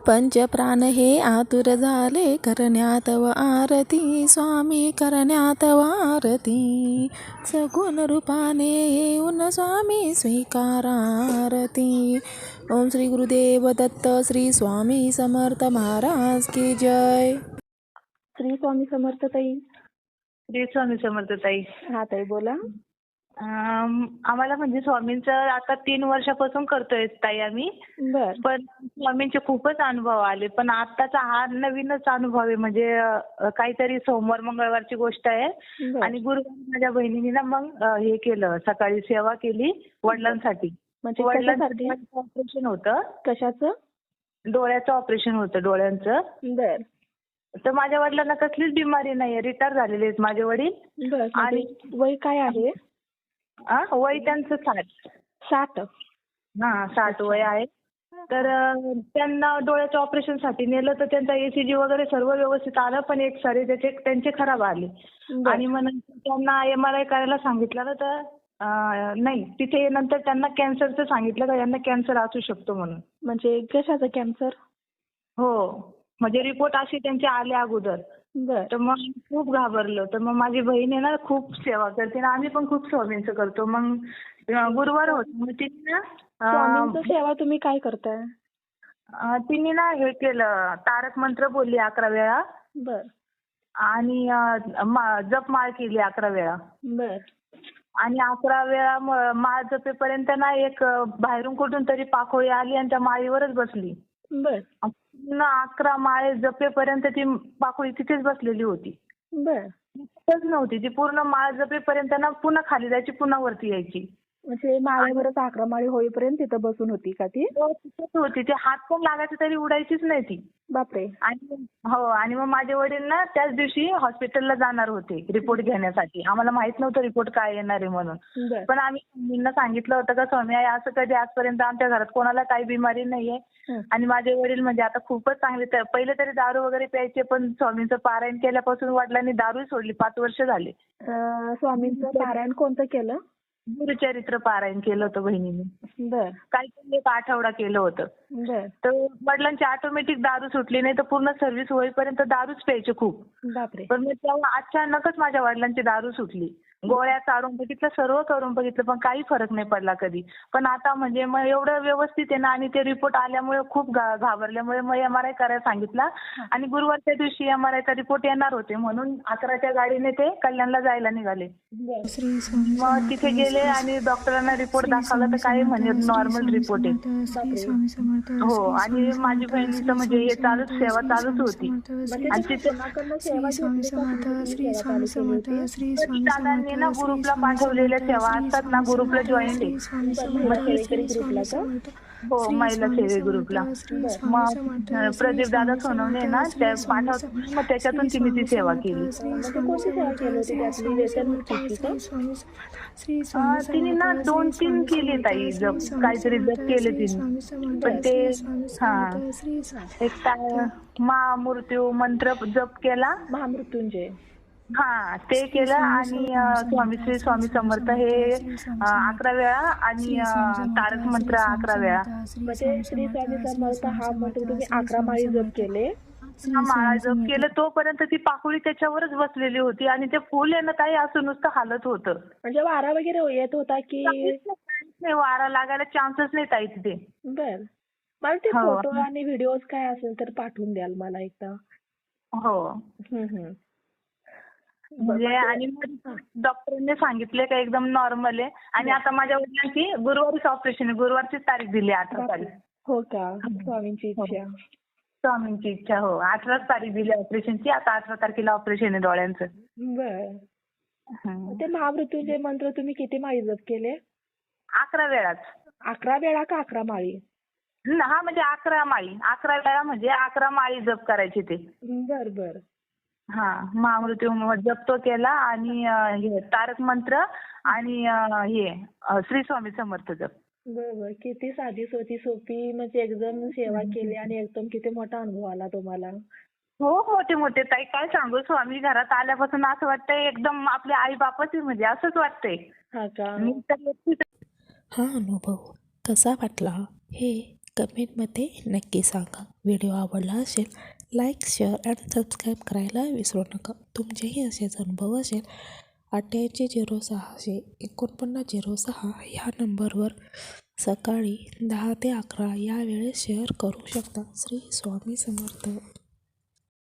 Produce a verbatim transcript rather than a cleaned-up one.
पंचप्राण हे आतुर झाले करण्यात व आरती, स्वामी करण्यात व आरती. सगुण रूपाने येऊन स्वामी स्वीकारा आरती. ओम श्री गुरुदेव दत्त. श्री स्वामी समर्थ महाराज की जय. श्री स्वामी समर्थ ताई. श्री स्वामी समर्थ ताई. हा ताई बोला. अम, आम्हाला म्हणजे स्वामींचं आता तीन वर्षापासून करतोय ताई आम्ही. बर पण स्वामींचे खूपच अनुभव आले. पण आताचा हा नवीनच अनुभव आहे. म्हणजे अ, काहीतरी सोमवार मंगळवारची गोष्ट आहे. बर. आणि गुरुवारी माझ्या बहिणीने ना मग अ, हे केलं, सकाळी सेवा केली वडिलांसाठी. म्हणजे वडिलांचं कशासाठी? डोळ्याचं ऑपरेशन होतं. कशाचं? डोळ्याचं ऑपरेशन होतं डोळ्यांचं. बर तर माझ्या वडिलांना कसलीच बिमारी नाहीये. रिटायर झालेले आहेत माझे वडील. बर. आणि म्हणजे वय काय आहे? आ, वय त्यांचं साठ. साठ. हा साठ वय आहे. तर अ, त्यांना डोळ्याच्या ऑपरेशन साठी नेलं तर त्यांचा एसीजी वगैरे सर्व व्यवस्थित आलं. पण एक सारे त्याचे त्यांचे खराब आले. बर. आणि मग नंतर त्यांना एम आर आय करायला सांगितलं ना, तर अ, नाही, तिथे नंतर त्यांना कॅन्सरचं सांगितलं का यांना कॅन्सर असू शकतो म्हणून. म्हणजे कशाचं कॅन्सर? हो, म्हणजे रिपोर्ट असे त्यांचे आले अगोदर. बर. तर मग खूप घाबरलो. तर मग माझी बहीण आहे ना खूप सेवा करते ना, आम्ही पण खूप स्वामींचं करतो. मग अ, गुरुवार होता मग तिने ना स्वामींचं अ, सेवा तुम्ही काय करताय? अ, तिने ना हे केलं, तारक मंत्र बोलली अकरा वेळा. बर आणि अ, मा- जपमाळ केली अकरा वेळा. बर आणि अकरा वेळा म- माळ जपेपर्यंत ना एक अ, बाहेरून कुठून तरी पाखोळी आली आणि त्या माळीवरच बसली. बर पूर्ण अकरा माळे जपेपर्यंत ती पाखोळी तिथेच बसलेली होती. बर. तिथेच नव्हती ती. पूर्ण माळ जपेपर्यंत ना पुन्हा खाली जायची, पुन्हा वरती यायची. म्हणजे माळेवरच अकरा माळी होईपर्यंत तिथं बसून होती का ती? हो, तिथेच होती. ते हात पण लागायचे तरी उडायचीच नाही ती. बापरे. आणि हो, आणि मग माझे वडील ना त्याच दिवशी हॉस्पिटलला जाणार होते रिपोर्ट घेण्यासाठी. आम्हाला माहित नव्हतं रिपोर्ट काय येणार आहे म्हणून. बर पण आम्ही स्वामींना सांगितलं होतं का स्वामी आहे असं कधी आजपर्यंत आमच्या घरात कोणाला काही बिमारी नाहीये. हं. आणि माझे वडील म्हणजे आता खूपच चांगले. तर पहिले तरी दारू वगैरे प्यायचे, पण स्वामींचं पारायण केल्यापासून वडिलांनी दारू सोडली. पाच वर्ष झाले. अं, स्वामींचं पारायण कोणतं केलं? गुरुचरित्र पारायण केलं होतं बहिणीने. बर काहीतरी एक आठवडा केलं होतं. बर. तर वडिलांची ऑटोमॅटिक दारू सुटली नाही, तर पूर्ण सर्व्हिस होईपर्यंत दारूच प्यायचे खूप. बापरे. पण मग तेव्हा अचानकच माझ्या वडिलांची दारू सुटली. गोळ्या चालून बघितलं, सर्व करून बघितलं, पण काही फरक नाही पडला कधी. पण आता म्हणजे मग एवढं व्यवस्थित आहे ना. आणि ते रिपोर्ट आल्यामुळे खूप घा- घाबरल्यामुळे मग एम आर आय करायला सांगितला. आणि गुरुवारच्या दिवशी एम आर आयचा रिपोर्ट येणार होते म्हणून अकराच्या गाडीने ते कल्याणला जायला निघाले. बर श्री स्वामी मग समर्थ. तिथे गेले आणि डॉक्टरांना रिपोर्ट श्री दाखवला तर स्वामी काय समर्थ. म्हणे श्री नॉर्मल स्वामी रिपोर्ट आहे. समर्थ. श्री बापरे. स्वामी समर्थ. हो, श्री आणि स्वामी माझी समर्थ. बहिणीचं श्री म्हणजे स्वामी हे चालूच समर्थ. सेवा श्री चालूच स्वामी होती. समर्थ. म्हणजे श्री आणि तुम्ही तिथे कोणाकडनं सेवा श्री स्वामी घेतली का समर्थ. तुम्ही श्री सेवा स्वामी चालू केली समर्थ. होती? श्री तर स्वामी दादांनी ना समर्थ. श्री ग्रुपला स्वामी पाठवलेल्या समर्थ. सेवा श्री असतात ना, स्वामी ग्रुपला समर्थ. जॉईंट श्री आहे. स्वामी बर समर्थ. महिला श्री सेवेकरी स्वामी ग्रुपला का? समर्थ. हो, श्री महिला स्वामी सेवे समर्थ. ग्रुपला. श्री बर स्वामी मग समर्थ. अ, श्री प्रदीप दादा स्वामी सोनवणे समर्थ. ना श्री त्या स्वामी पाठवत समर्थ. मग त्याच्यातून श्री तिने ती स्वामी सेवा समर्थ. केली. अं, श्री म्हणजे स्वामी कोणती सेवा समर्थ. केली होती? श्री त्यातली स्वामी व्यसन समर्थ. मुक्तीची का? श्री स्वामी समर्थ. श्री अ, स्वामी तिने ना समर्थ. दोन श्री तीन स्वामी केली समर्थ. ताई. श्री जप स्वामी काहीतरी जप समर्थ. केले श्री तिने. स्वामी समर्थ. पण ते श्री स्वामी हा समर्थ. श्री एक काय महामृत्यू मंत्र जप केला. महामृत्युंजय. हा, ते श्री केलं. स्वामी आणि अ, स्वामी समर्थ. श्री श्री स्वामी स्वामी समर्थ समर्थ. हे श्री स्वामी अ, समर्थ. अकरा वेळा. आणि श्री अ, स्वामी समर्थ. तारक मंत्र श्री स्वामी अकरा वेळा. समर्थ. श्री म्हणजे स्वामी श्री समर्थ. स्वामी श्री समर्थ स्वामी हा मंत्र समर्थ. तुम्ही श्री अकरा स्वामी माळी जप समर्थ. केले. श्री हा, माळा स्वामी जप समर्थ. केलं तोपर्यंत ती पाकुळी त्याच्यावरच बसलेली होती. आणि ते फुल आहे ना ताई असं नुसतं हालत होतं. म्हणजे वारा वगैरे येत होता की? काहीच नाही, काहीच नाही. वारा लागायला चान्सच नाही ताई तिथे. बर. मला ते हो फोटो आणि व्हिडिओज काय असेल तर पाठवून द्याल मला एकदा. हो. हम्म हम्म. ब- म्हणजे म्हणजे- आणि हा. डॉक्टरांनी सांगितले का एकदम नॉर्मल आहे. आणि आता माझ्या वडिलांची गुरुवारीच ऑपरेशन आहे. गुरुवारचीच तारीख दिली, अठरा तारीख. हो का? स्वामींची इच्छा. स्वामींची इच्छा. हो, अठराच तारीख दिली ऑपरेशनची. आता अठरा तारखेला ऑपरेशन आहे डोळ्यांचं. बर. हं. ते महामृत्युंजय मंत्र तुम्ही किती माळी जप केले? अकरा वेळाच. अकरा वेळा का अकरा माळी? हं, हा म्हणजे अकरा माळी. अकरा वेळा म्हणजे अकरा माळी जप करायची ते. बर बर. हा, महामृत्यू जप तो केला. आणि अ, हे तारक मंत्र आणि अ, हे अ, श्री स्वामी समर्थ जप. बर बर. किती साधी सोपी सोपी म्हणजे एकदम सेवा केली आणि एकदम किती मोठा अनुभव आला तुम्हाला. हो, मोठे मोठे ताई काय सांगू. स्वामी घरात आल्यापासून असं वाटतंय एकदम आपले आई बापच आहे, म्हणजे असंच वाटतंय. हा का? मी तर एकटीच हा अनुभव कसा वाटला हे कमेंटमध्ये नक्की सांगा. व्हिडिओ आवडला असेल लाईक शेअर आणि सबस्क्राईब करायला विसरू नका. तुमचेही असेच अनुभव असेल अठ्ठ्याऐंशी झिरो सहाशे एकोणपन्नास झिरो सहा ह्या नंबरवर सकाळी दहा ते अकरा या वेळेस शेअर करू शकता. श्री स्वामी समर्थ.